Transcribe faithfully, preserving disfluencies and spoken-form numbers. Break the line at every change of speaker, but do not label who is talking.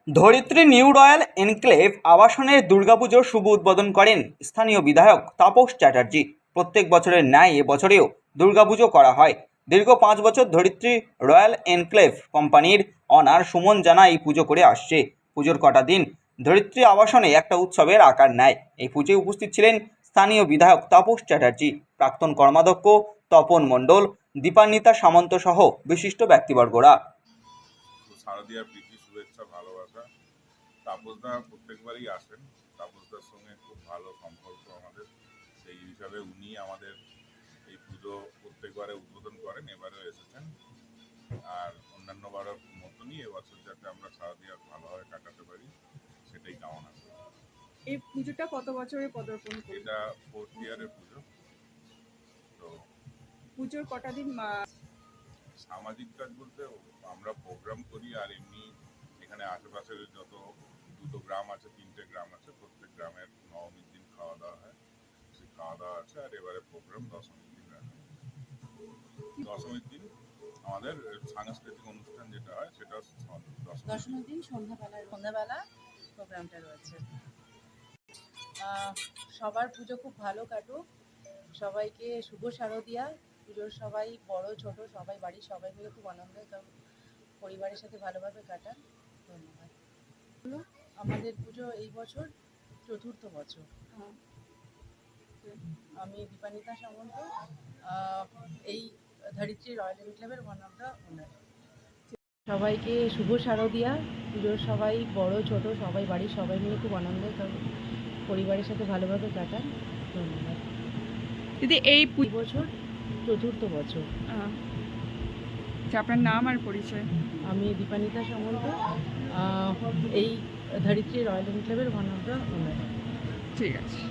ধরিত্রী new royal enclave আবাসনের দুর্গাপুজোর শুভ উদ্বোধন করেন স্থানীয় বিধায়ক তাপস চ্যাটার্জি। প্রত্যেক বছরের ন্যায় এবছরেও দুর্গাপুজো করা হয়। দীর্ঘ পাঁচ বছর ধরিত্রী রয়্যাল এনক্লেভ কোম্পানির অনার সুমন জানা এই পুজো করে আসছে। পুজোর কটা দিন ধরিত্রী আবাসনে একটা উৎসবের আকার নেয়। এই পুজোয় উপস্থিত ছিলেন স্থানীয় বিধায়ক তাপস চ্যাটার্জি, প্রাক্তন কর্মাধ্যক্ষ তপন মণ্ডল, দীপান্বিতা সামন্ত সহ বিশিষ্ট ব্যক্তিবর্গরা।
শারদীয়ার প্রীতি, শুভেচ্ছা, ভালোবাসা। তাপসদা প্রত্যেকবারই আসেন। তাপসদার সঙ্গে খুব ভালো সম্পর্ক আমাদের, সেই হিসাবে উনি আমাদের এই পুজো প্রত্যেকবারে উদ্বোধন করেন, এবারেও এসেছেন। আর অন্যান্য বারের মতনই এবছর যাতে আমরা শারদীয়া ভালোভাবে কাটাতে পারি সেটাই কামনা করি।
এই পুজোটা কত বছরে পদার্পণ করে?
এটা ফোর্থ ইয়ারের পুজো। তো
পুজোর কটা দিন
সামাজিক কাজ বলতে আমরা প্রোগ্রাম করি, আর এমনি এখানে আশেপাশের যত দুটো গ্রাম আছে, তিনটে গ্রাম আছে, প্রত্যেক গ্রামের নবমীর দিন খাওয়া দাওয়া হয়, সেই খাওয়া দাওয়া আছে। আর এবারে প্রোগ্রাম দশমীর দিন রাখা। দশমীর দিন আমাদের সাংস্কৃতিক অনুষ্ঠান যেটা হয় সেটা
দশমীর দিন সন্ধ্যাবেলা সন্ধ্যাবেলা প্রোগ্রামটা রয়েছে। সবার পুজো খুব ভালো কাটুক, সবাইকে শুভ শারদীয়া। পুজোর সবাই বড় ছোট সবাই বাড়ির সবাই মিলে খুব আনন্দের পরিবারের সাথে ভালোভাবে কাটান। ধন্যবাদ। আমাদের পুজো এই বছর চতুর্থ বছর। আমি দীপান্বিতা সামন্ত, এই ধরিত্রী রয়্যাল এনক্লেভের ওয়ান অফ দ্য ওনার। সবাইকে শুভ শারদীয়া। পুজোর সবাই বড় ছোট সবাই বাড়ির সবাই মিলে খুব আনন্দের পরিবারের সাথে ভালোভাবে কাটান। ধন্যবাদ।
দিদি, এই
বছর চতুর্থ বছর।
আপনার নাম আর পরিচয়?
আমি দীপান্বিতা সামন্ত, এই ধরিত্রী রয়্যাল এনক্লেভের ওয়ান অফ দ্য ওনার।
ঠিক আছে।